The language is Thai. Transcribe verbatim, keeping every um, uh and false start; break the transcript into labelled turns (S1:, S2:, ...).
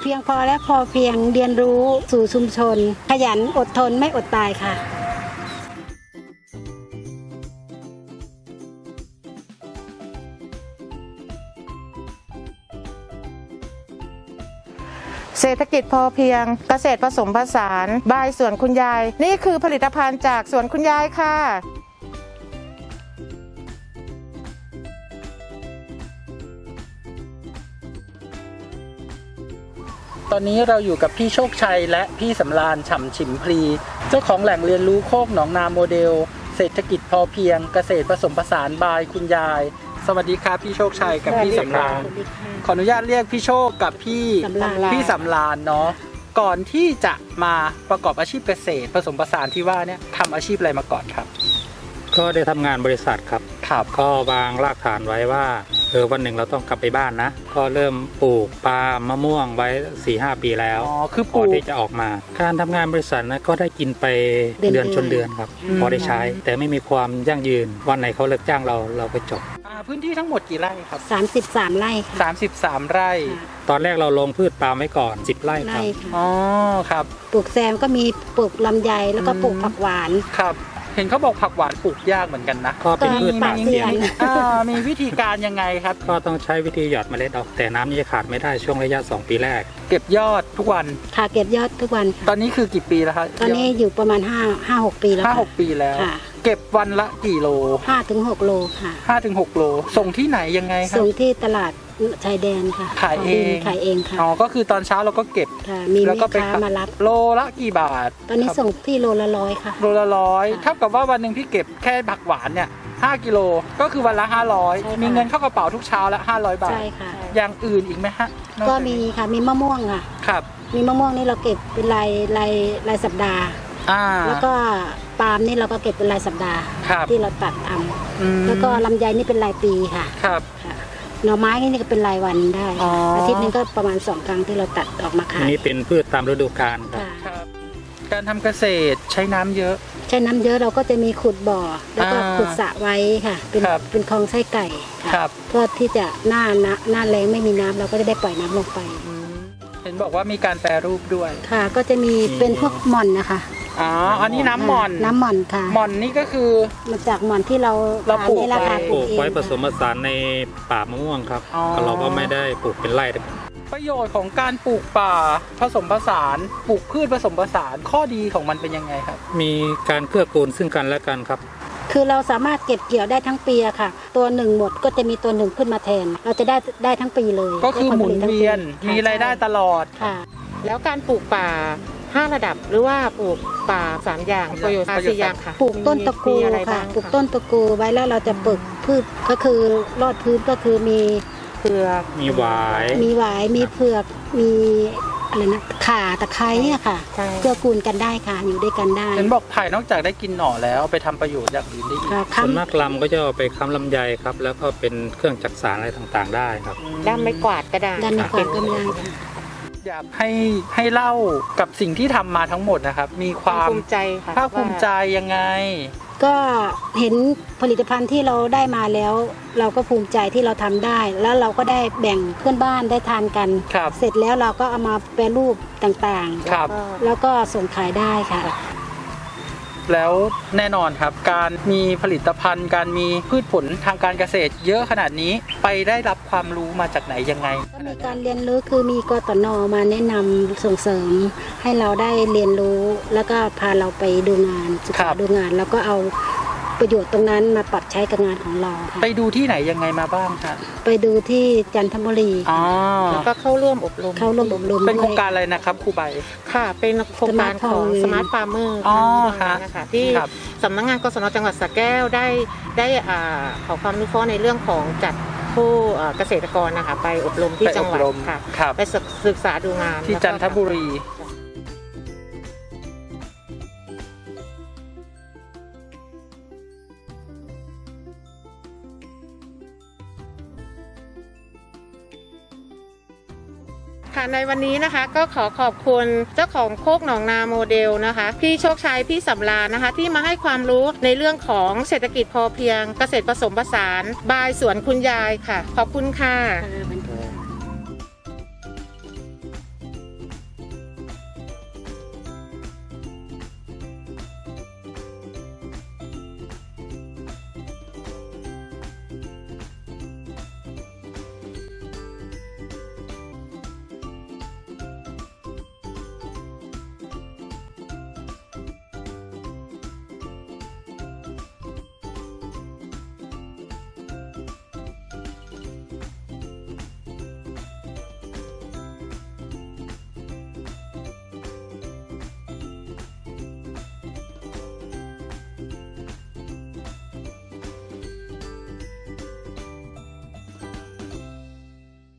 S1: พียงพอและพอเพียงเรียนรู้สู่ชุมชนขยันอดทนไม่อดตายค่ะ
S2: เศรษฐกิจพอเพียงเกษตรผสมผสานบายสวนคุณยายนี่คือผลิตภัณฑ์จากสวนคุณยายค่ะ
S3: ตอนนี้เราอยู่กับพี่โชคชัยและพี่สำราญฉ่ำฉิมพลีเจ้าของแหล่งเรียนรู้โคกหนองนาโมเดลเศรษฐกิจพอเพียงเกษตรผสมผสานบายคุณยายสวัสดีครับพี่โชคชัยกับพี่สำราญขออนุญาตเรียกพี่โชคกับพี่พี่สำราญเนาะก่อนที่จะมาประกอบอาชีพเกษตรผสมผสานที่ว่าเนี่ยทำอาชีพอะไรมาก่อนครับ
S4: ก็ได้ทำงานบริษัทครับ
S3: ครับ
S4: ก็วางรากฐานไว้ว่าเออวันหนึ่งเราต้องกลับไปบ้านนะก็เริ่มปลูกปาล์มมะม่วงไว้ สี่ห้า ปีแล้ว
S3: อ๋อคือปลูก
S4: ที่จะออกมาการทำงานบริษัทนะก็ได้กินไปเดือนชนเดือนครับพอได้ใช้แต่ไม่มีความยั่งยืนวันไหนเขาเลิกจ้างเราเราไปจบ
S3: พื้นที่ทั้งหมดกี่ไร่ครับ
S1: สามสิบสามไร่ค่ะ
S3: สามสิบสามไร่
S4: ตอนแรกเราลงพืชปาล์มไว้ก่อนสิบไร่ครับ
S3: อ๋อครับ
S1: ปลูกแซมก็มีปลูกลำไยแล้วก็ปลูกผักหวาน
S3: ครับเห็นเขาบอกผักหวานปลูกยากเหมือนกันนะ
S4: ก็เป็นพืชป่าเสี่ยง
S3: มีวิธีการยังไงครับ
S4: ก็ต้องใช้วิธีหยอดเมล็ดออกแต่น้ำนี่จะขาดไม่ได้ช่วงระยะสองปีแรก
S3: เก็บยอดทุกวัน
S1: ค่ะเก็บยอดทุกวัน
S3: ตอนนี้คือกี่ปีแล้วครับ
S1: ตอนนี้อยู่ประมาณห้า ห้า หกปีแล้ว
S3: ห้า หกปีแล้วเก็บวันละกี่โล
S1: ห้าถึงหกโลค่ะ
S3: ห้าถึงหกโลส่งที่ไหนยังไงครับ
S1: ส่งที่ตลาดชายแดนค่ะ
S3: ขายเอง
S1: ขายเองค่ะ
S3: อ๋อก็คือตอนเช้าเราก็เก็บ
S1: มีแม่ค้ามารับ
S3: โลละกี่บาท
S1: ตอนนี้ส่งที่โลละร้อยค่ะ
S3: โลละร้อยเท่ากับว่าวันหนึ่งพี่เก็บแค่ผักหวานเนี่ยห้ากิโลก็คือวันละห้าร้อยมีเงินเข้ากระเป๋าทุกเช้าละห้าร้อยบาท
S1: ใช่ค่ะ
S3: อย่างอื่นอีกไหมฮะ
S1: ก็มีค่ะมีมะม่วงค่ะ
S3: ครับ
S1: มีมะม่วงนี่เราเก็บเป็นรายรายรายสัปดาห์แล้วก็ปาล์มนี่เราก็เก็บเป็นรายสัปดาห์ที่เราตัดทำแล้วก็ลำไยนี่เป็นรายปีค่ะ
S3: ครับ
S1: หน่อไม้นี่ก็เป็นรายวันได้อาทิตย์นึงก็ประมาณสองครั้งที่เราตัดออกมาขาย
S4: นี่เป็นพืชตามฤดูกาล
S3: ครับการทำเกษตรใช้น้ำเยอะ
S1: ใช้น้ำเยอะเราก็จะมีขุดบ่อแล้วก็ขุดสระไว้ค่ะเป็นเป็นคลองไส้ไก่
S3: ครับ
S1: เพื่อที่จะหน้าหน้าแรงไม่มีน้ำเราก็จะได้ปล่อยน้ำลงไป
S3: เห็นบอกว่ามีการแปรรูปด้วย
S1: ค่ะก็จะมีเป็นพวกหม่อนนะคะ
S3: อ๋ออันนี้น้ำหม่อน
S1: น้ำหม่อนค่ะ
S3: หม่อนนี่ก็คือ
S1: มาจากหม่อนที่เรา
S3: เราปลูก
S1: ไว้
S4: ปลูกไว้ผสมผสานในป่ามะม่วงครับเราก็ไม่ได้ปลูกเป็นไร่
S3: ประโยชน์ของการปลูกป่าผสมผสานปลูกพืชผสมผสานข้อดีของมันเป็นยังไงครับ
S4: มีการเกื้อกูลซึ่งกันและกันครับ
S1: คือเราสามารถเก็บเกี่ยวได้ทั้งปีอะค่ะตัวหนึ่งหมดก็จะมีตัวหนึ่งขึ้นมาแทนเราจะได้ได้ทั้งปีเลย
S3: ก็คือหมุนเวียนมีรายได้ตลอด
S2: ค่ะแล้วการปลูกป่าห้าระดับหรือว่าปลูกป่าสามอย่างประโยชน์สี่อย่างค่ะ
S1: ปลูกต้นตะกูค่ะปลูกต้นตะกูไว้แล้วเราจะปลูกพืชก็คือรอดพื้นก็คือมี
S2: เผือก
S4: มีหวาย
S1: มีหวายมีเผือกมีอะไรนะข่าตะไคร้เนี่ยค่ะเพื่อกูลกันได้ค่ะอยู่ด้วยกันได้
S3: เห็นบอกไผ่นอกจากได้กินหน่อแล้วไปทำประโยชน์อย่างอื่นได้อีก
S4: ส่วนมากลำก็จะเอาไปค้ำลำไยครับแล้วก็เป็นเครื่องจักสานอะไรต่างๆได้ครับ
S2: ด้ามไม้กวาดก็ได้
S1: ด้ามไม้กวาดก็ได้ค่ะ
S3: อยากให้ให้เล่ากับสิ่งที่ทำมาทั้งหมดนะครับมีความ
S2: ภูมิใจค่ะ
S3: ภาคภูมิใจยังไง
S1: ก็เห็นผลิตภัณฑ์ที่เราได้มาแล้วเราก็ภูมิใจที่เราทำได้แล้วเราก็ได้แบ่งเพื่อนบ้านได้ทานกันเสร็จแล้วเราก็เอามาแปรรูปต่างๆแล้วก็ส่งขายได้ค่ะ
S3: แล้วแน่นอนครับการมีผลิตภัณฑ์การมีพืชผลทางการเกษตรเยอะขนาดนี้ไปได้รับความรู้มาจากไหนยังไง
S1: ก็มีการเรียนรู้คือมีกตน.มาแนะนำส่งเสริมให้เราได้เรียนรู้แล้วก็พาเราไปดูงานศึกษาดูงานแล้วก็เอาประโยชน์ตรงนั้นมาปรับใช้กับงานของเรา
S3: ไปดูที่ไหนยังไงมาบ้างคะ
S1: ไปดูที่จันทบุรี
S2: แล้วก็เข้าร่วมอบรม
S1: เข้าร่วมอบรม
S3: เป็นโครงการอะไรนะครับครูใบ
S2: ค่ะเป็นโครงการของสมาร์ทฟาร์มเมอร์นะคะที่สำนักงานกศนจังหวัดสระแก้วได้ได้ขอความรู้ข้อในเรื่องของจัดผู้เกษตรกรนะคะไปอบรมที่จังหวัดค่ะไปศึกษาดูงาน
S3: ที่จันทบุรี
S2: ค่ะในวันนี้นะคะก็ขอขอบคุณเจ้าของโคกหนองนาโมเดลนะคะพี่โชคชัยพี่สำราญนะคะที่มาให้ความรู้ในเรื่องของเศรษฐกิจพอเพียงเกษตรผสมผสานบายสวนคุณยายค่ะขอบคุณค่ะ